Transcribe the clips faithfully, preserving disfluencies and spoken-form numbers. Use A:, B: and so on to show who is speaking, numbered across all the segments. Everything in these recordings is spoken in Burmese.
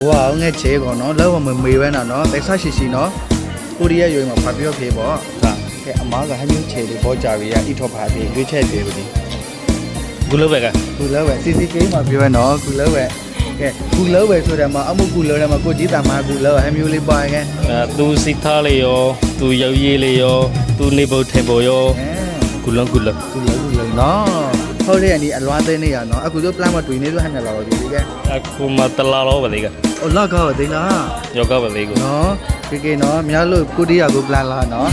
A: 哇，我切个喏，老我们没完了喏，在啥西西喏，我哋一样嘛发表皮啵，嘅阿妈个还没有切的包家位啊，一套拍皮，越切皮嗰啲。
B: 古老味嘅，
A: 古老味，C C K嘛表喏，古老味，嘅古老味ဆိုတယ်嘛，အမှု古老တယ်嘛，ကိုကြီးတာမှာ古老係မျိုးလေးပါ嘅。
B: 誒，သူစိထားလေးရောသူရုပ်ရည်လေးရောသူနေဖို့ထိုင်ဖို့ရော古老古老
A: 古老古老နော်ဟုတ်တယ်นี่အလွားသိနေရနော်အခုတို့ plan မတွေ့နေဆိုဟန်လာတော့ဒီကဲ
B: အခုမှတလားတော့ပါလေက
A: အော်လောက်ကောသိလား
B: ယောဂပါလေကို
A: နော်ကေကေနော်များလို့ကိုတီးရကို plan လာနော်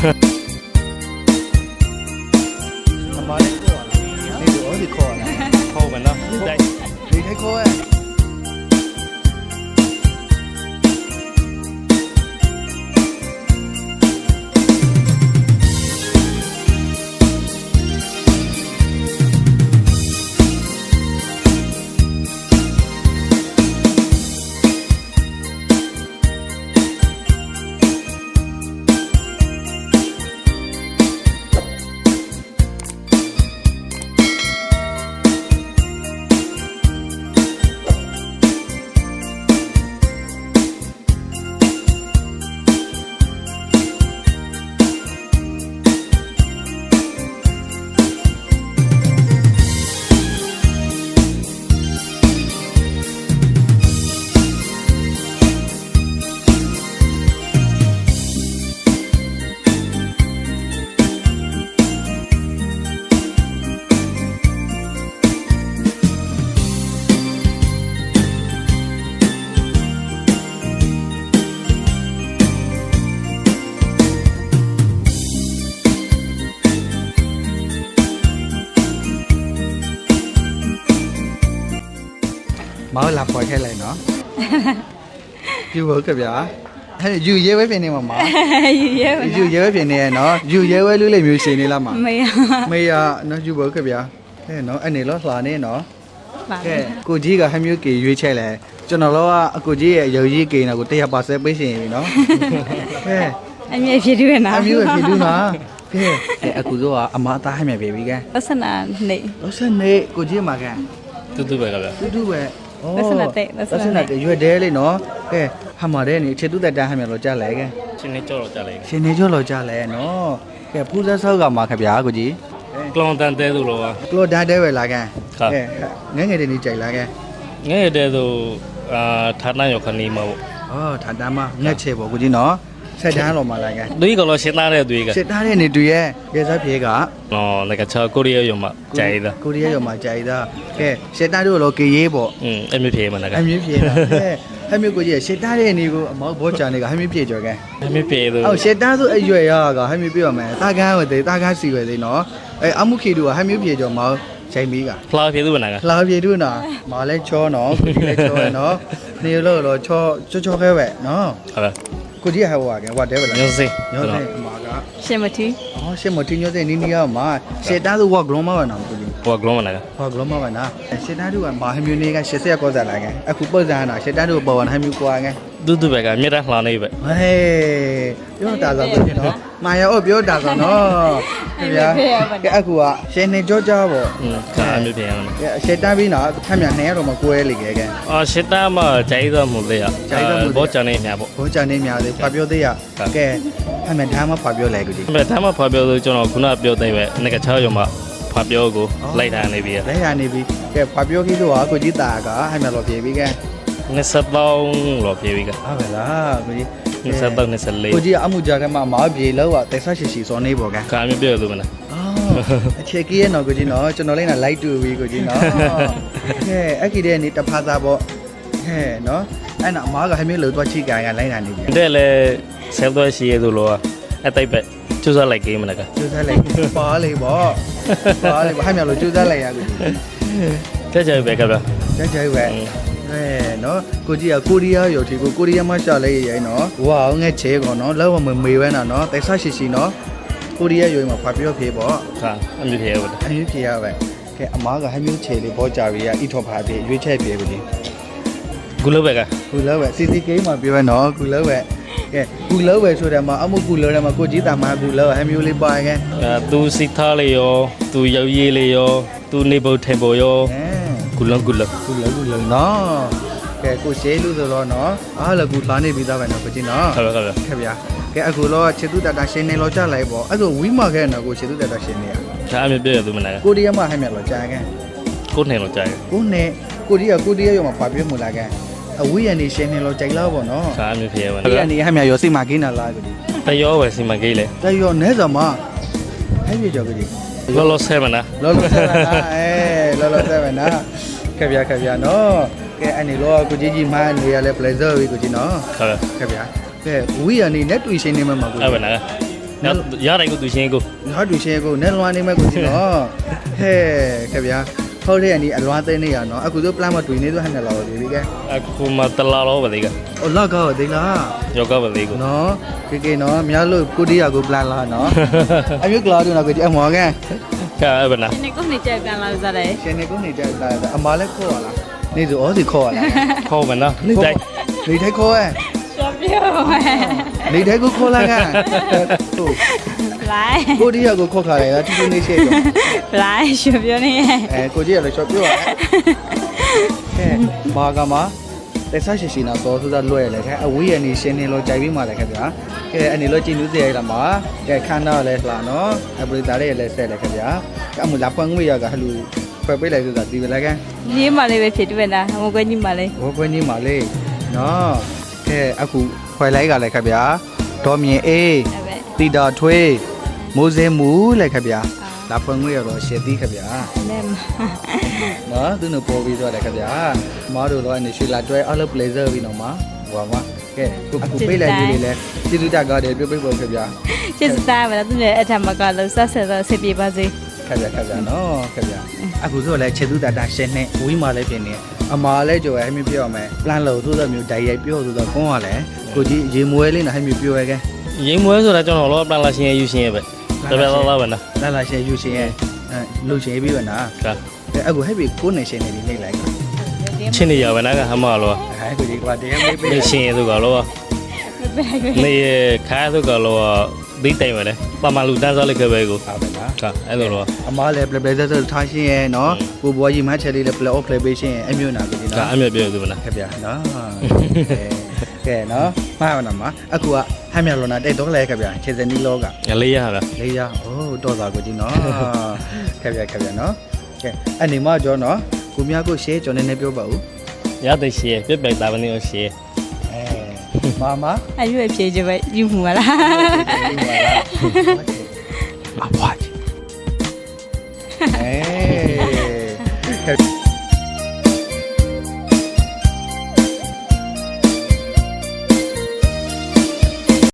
A: အမလေးခေါ်လာနေတော့ဒီခေါ်လာ
B: ခေါ်မယ်နော်တိုက်
A: ဒီထိုက်ခေါ်ရဲ့မောလာပေါ်ထဲလိုက်နော်ယူဟုတ်ကဗျာဟဲ့ယူရဲဝဲပြင်နေမှာမ
C: ယူရဲပါ
A: ယူရဲဝဲပြင်နေရနော်ယူရဲဝဲလူလေးမျိုးရှင်နေလားမ
C: မေရ
A: မေရနော်ယူဟုတ်ကဗျာဟဲ့နော်အနေလောလှာနေနော်
C: ပါ
A: ကဲကိုကြီးကဟမျိုးကေရွေးချက်လဲကျွန်တော်တို့ကအကိုကြီးရဲ့ရုပ်ရည်ကေနာကိုတစ်ရာပါဆယ်ပေးရှင်ပြီနော်ကဲ
C: အမြဲဖြစ်တွေ့နာ
A: အမျိုးဖြစ်လို့နော်ကဲအခုတို့ကအမအသားဟမြပြီကဲ
C: သစနာနေ
A: လို့ဆက်နေကိုကြီးမှာကဲ
B: တူတူပဲကဗျ
A: တူတူပဲ
C: သစနာတဲ့သစ
A: သစ
C: နာ
A: နာ
C: တဲ့
A: တဲ့ရွက်တဲလေးနော်ကဲဟာမတဲ့နေချေတူတက်တန်းဟမြလို့ကြားလဲကဲ
B: ချင်းနေကြောက်တော့ကြလိုက်
A: ရှင်နေကျော်လို့ကြားလဲနော်ကဲဖူးသက်ဆောက်ကမှာခဗျာကိုကြီး
B: ကလောင်တန်တဲသူလောက
A: ကလော်ဒါတဲပဲလာကဲ
B: ဟုတ်
A: ကဲငငယ်တဲ့နေကြိုက်လာကဲ
B: ငဲ့တဲ့သူအာဌာနရောက်ခဏီမှာပေါ့
A: ဩထာတမ်းမငက်ချေပေါ့ကိုကြီးနော်ဆက်တန်းလို့မလာကဲ
B: သူကလောရှင်းသားတဲ့သူက
A: စစ်သားတဲ့နေတူရဲ့ရဲစားပြေက
B: နော်လက်ကချာကိုရီးယားရုံမှာကြိုက်တာ
A: ကိုရီးယားရောမှာကြိုက်တာကဲစစ်သားတို့လောကေရေးပေါ့
B: อืมအမြပြေမှာက
A: အမြင့်ပြေတာကဲဟမျိုးကိုကြီးစစ်သားတဲ့နေကိုအမောက်ဘောချာနေကဟမျိုးပြေကြော်ကဲ
B: အမြပြေသူ
A: အော်စစ်သားဆိုအရွယ်ရကဟမျိုးပြေပါမယ်တာကန်းဝတဲ့တာကန်းစီဝဲသေးနော်အဲအမှုခေတူကဟမျိုးပြေကြော်မောက်ချိန်မီက
B: ဖလာပြေသူနာက
A: လာပြေတူနော်မာလဲချောနော်ကိုကြီးလဲချောရနော်နေလို့တော့ချောချောချောခဲပဲနော်
B: ဟုတ်လား
A: ကိုကြီးဟဲ့ဟွာကဲဟွာတဲပဲလား
B: ညစေ
A: ညောတဲ့အမာက
C: ရှင်မထီ
A: အော်ရှင်းမတင်ညောတဲ့နီနီယာမှာစစ်သားဆိုဝါဂလုံးမပါနော်ကိုကြီး
B: ဟိုကလောမနာက
A: ဟောဂလုံးမပါနာရှစ်တန်းတို့ကမာဟမျိုးနေကရှစ်ဆက်ကောစားလာခဲ့အခုပုတ်စားနာရှစ်တန်းတို့ပေါ်ဝင်ဟမျိုးကွာခဲ့
B: တူတူပဲကမြေတာလှနေပဲ
A: ဟေးပြောတာဆိုတော့နော်မာယာအော်ပြောတာဆိုနော်ခင်ဗျာကဲအခုကရှင်နေကြောကြပေါ့
B: อืมကအမြပြေရမှာ
A: ကဲရှစ်တန်းပြီးနော်ထမ်းမြနှစ်ရတော့မကွဲလေခဲ့ကဲ
B: အော်ရှစ်တာမှာကြိုက်တော့မှုလေရဘောချန်နေညာပေါ့
A: ဘောချာနေများသေးဖတ်ပြောသေးရကဲထမ်းမြထားမဖတ်ပြောလဲကူကြီး
B: ဒါမှမဖပြောလို့ကျွန်တော်ခုနပြောတဲ့ပဲငကချာရုံမှာဖပြောကိုလိုက်ထားနေပြီ
A: လဲရနေပြီကဲဖတ်ပြောကြီးတော့ကိုကြီးတာကဟဲ့မြတော့ပြေပြီကဲ
B: နှစ်ဆက်ပေါင်းလောပြေပြီက
A: ဟုတ်ပါလားကိုကြီး
B: နှစ်ဆက်ပေါင်းနှစ်ဆက်လေး
A: ကိုကြီးအမှုကြကမှမာပြေလောက်တက်ဆရှိရှိစောနေပေါ့ကဲ
B: ကာမြပြောလို့မလား
A: အခြေကြီးရဲ့နော်ကိုကြီးနော်ကျွန်တော်လည်းလိုက်တူပြီကိုကြီးနော်ကဲအခီတဲ့နေတဖာသားပေါ့ဟဲ့နော်အဲ့နော်အမားကဟမျိုးလို့တော့ချိကန်ကလိုက်တာနေပြီ
B: တဲ့လေဆဲတော့ရှိရသူလောအတိုက်ပဲကျူစားလိုက်ကိမလားက
A: ကျူးစားလိုက်ပါလေပေါ့ပါလေဟဲ့မျိုးလို့ကျူးစားလိုက်ရကိုကြီး
B: တဲ့ကြပဲကဗျာ
A: ကြိုက်ကြိုက်ပဲဟဲ့နော်ကိုကြီးကကိုရီးယားရုပ်ထီကိုကိုရီးယားမှာရှာလိုက်ရိုင်းနော်ဝါငဲ့ချေကောနော်လောက်မမေဝဲနော်နော်တက်ဆရှိရှိနော်ကိုရီးယားရုပ်မှာဖတ်ပြောဖြေပေါ့
B: ဟာအမြပြေဟုတ်
A: အမျိုးဖြေရပဲကဲအမားကဟမျိုးချေလေးဘောကြပြီရအီထော်ဖာပြေရွေးချက်ပြေပြီ
B: ကုလိုပဲက
A: ကူလောပဲ C C K မှာပြောရနော်ကူလောပဲကဲကူလောပဲဆိုတယ်မှာအမှုကူလောတယ်မှာကိုကြီးတာမှာကူလောဟမျိုးလေးပါကဲ
B: အဲသူစိထားလေးရောသူရုပ်ရည်လေးရောသူနေဖို့ထိုင်ဖို့ရော
A: အဲ
B: ကုလုံးကုလုံး
A: ကူလောကူလောနော်ကကဲကိုရှေးလို့ဆိုတော့နော်အားလည်းကူလာနေပြီးသားပဲနော်ကိုကြီးနော်
B: ဟုတ်ကဲ့ဟုတ်ကဲ့
A: ခဲ့ဗျာကဲအခုတော့ချေသူတတာရှင်းနေလို့ကြလိုက်ပေါ့အဲ့ဒါဝီမာခဲ့နော်ကိုချေသူတတာရှင်းနေရ
B: ဒါအမြပြည့်ရသူမနာက
A: ကိုရီးယားမှာဟဲ့မြတ်လို့ကြာခဲ့
B: ကိုနေလို့ကြာတယ်
A: ကိုနဲ့ကိုရီးယားကိုရီးယားရောမှာပါပြမှုလာခဲ့အဝီရနေရှင်းနေလို့ကြိုက်လားပေါ့နော်
B: ဒါအမြပြည့်ရပါ
A: ဒီအနေဟဲ့မြတ်ရောစိတ်မှာကိန်းလာလားကိုကြီး
B: တရောပဲစီမကိလေ
A: တရောနဲစမှာဟဲ့ပြကြောကိုကြီး
B: လောလောဆဲမနာ
A: လောလောဆယ်ပါလားအဲလောလောဆယ်ပါနော်ခဲ့ဗျာခဲ့ဗျာနော်ကဲအနေလောကိုကြီးကြီးမန်းနေရလဲ pleasure ပြီကိုကြီးနော်
B: ဟုတ်ကဲ့
A: ခဲ့ဗျာကဲဝီရနေနဲ့တွေ့ရှင်းနေမှာကို
B: အဲ့ဘယ်နာရတိုင်းကိုသူရှင်းကို
A: ငါတွေ့ရှင်းကိုနဲ့လွားနေမှာကိုကြီးနော်ဟဲ့ခဲ့ဗျာဟုတ်တယ်အနေအလွားသိနေရနော်အခုဆို plan မတွေ့နေတော့ဟဲ့နဲ့လာတော့ဒီကဲ
B: အခုမှတလာတော့ပါလေက
A: ဟိုလောက်ကောဒီလား
B: ယောဂပါလေကို
A: နော်ကေကေနော်များလို့ကိုတီးရကို plan လာနော်အမျိုးကလာတော့ကိုကြီးအမော်ကန်
B: ကဲအဲ့ဘယ်နာ
C: ဒီနေ့ကိုနေကြပြန်လာစားတယ်
A: ရှင်နေကိုနေကြတာအမားလည်းခေါ်ရလားနေဆိုဩစီခေါ်ရလား
B: ခေါ်မနာနေတိုင်း
A: နေထိုင်ခေါ်ရ
C: ရှော့ပြောမယ်
A: နေထိုင်ကိုခေါ်လာကန်ဟုတ်
C: လိုက်
A: ကိုတီးရကိုခေါ်ခါရတာတူတူနေရှေ့တော့
C: လိုက်ရှော့ပြောနေရဲ့
A: အဲကိုကြီးရလည်းချော်ပြောရကဲဘာကမှာတက်ဆရှိရှိနာသောဆိုတာလွဲ့လေခဲအဝေးရနေရှင်းနေလို့ကြိုက်ပြီးမှလည်းခဲ့ဗျာကဲအနေလို့ကြည်နူးစေရတာမှာကဲခန္ဓာလည်းလှနော်အပရိသတ်ရဲ့လည်းဆက်လည်းခဲ့ဗျာအမလာပန်းငွေရကဟလူဖွယ်ပေးလိုက်ဆိုတာဒီပဲလေကန်
C: ဒီမှာလေးပဲဖြစ်တွေ့တာဟိုကွကြီးမှာလေး
A: ဘောကွင်းကြီးမှာလေနော်ကဲအခုခွဲလိုက်ကလည်းခဲ့ဗျာဒေါ်မြင်အေး
C: အဲ့ပဲ
A: တီတာထွေးမိုးစင်းမူလည်းခဲ့ဗျာလာပန်းငွေရတော့ရှည်သီးခဲ့ဗျာ
C: နဲ့
A: နော်သူတို့ပေါ်ပြီးသွားတယ်ခင်ဗျာမအားတို့တော့အနေရှိလာတွဲအားလုံး pleasure ပြီးတော့မှာဟိုပါကဲကိုကိုပေးလိုက်လေးလေးလဲကျေးဇူးတက်ကားတယ်ပြုတ်ပိတ်ပေါ်ခင်ဗျာ
C: ချစ်စတာပဲသူနဲ့အထမကလို့ဆက်ဆက်တော့ဆက်ပြပါစေ
A: ခင်ဗျာခင်ဗျာနော်ခင်ဗျာအခုဆိုလဲချေသူတတာရှင်းနေဝီမာလည်းပြင်နေအမာလည်းကြော်ရဟမျိုးပြောရမယ် plan လို့သို့သောမျိုးဓာတ်ရိုက်ပြောဆိုတော့ကွန်းရလဲကိုကြီးရေမွဲလေးနဲ့ဟမျိုးပြောရကဲ
B: ရိမ်မွဲဆိုတာကျွန်တော်လောပန်လာရှင်းရယူရှင်းရပဲတပည့်လောလောပဲနာ
A: လာလာရှင်းယူရှင်းရဲ့အဲလှုပ်ရှင်းပြီးပါနာ
B: ကဲ
A: ကဲအခုဟဲ့ပြီကိုနေရှင်းနေပြီနေလိုက်
B: ချင်းနေရပဲနာကဟမလော
A: အဲကိုကြီးကတရားမေးပေး
B: နေရှင်းရသူကလော
C: ပဲပဲ
B: နေခါသူကလောဒီတိုင်ပဲလေပမာလူတန်းစားလိုက်ခဲ့ပဲကို
A: အားပဲလား
B: ကဲအဲ့လိုလော
A: အမားလည်း play play ဆက်ထားရှင်းရဲ့နော်ကိုဘွားကြီးမချက်လေးလည်း play off play ပေးရှင်းရဲ့အမျိုးနာပြီ
B: ကဲ
A: နော်
B: အမြပြည့်သူမနာ
A: ခက်ပြနော်ကဲနော်မှားပါနော်မအခုကဟမ်းမြလောနာတဲ့တော့လဲခက်ပြခြေစနီလောက
B: လေးရဟာလား
A: လေးရအိုးတော့သာကိုကြီးနော်ခက်ပြခက်ပြနော်ကဲအနေမကျော်နော်ကိုမြကိုရှဲကျော်နေနေပြောပါဦး
B: ရတဲ့ရှင်းပြပြတာမနေရှင်း
A: အဲမာမ
C: အရွယ်ဖြေကြပဲယူမှုမလား
A: အဖွားကြီးအဲ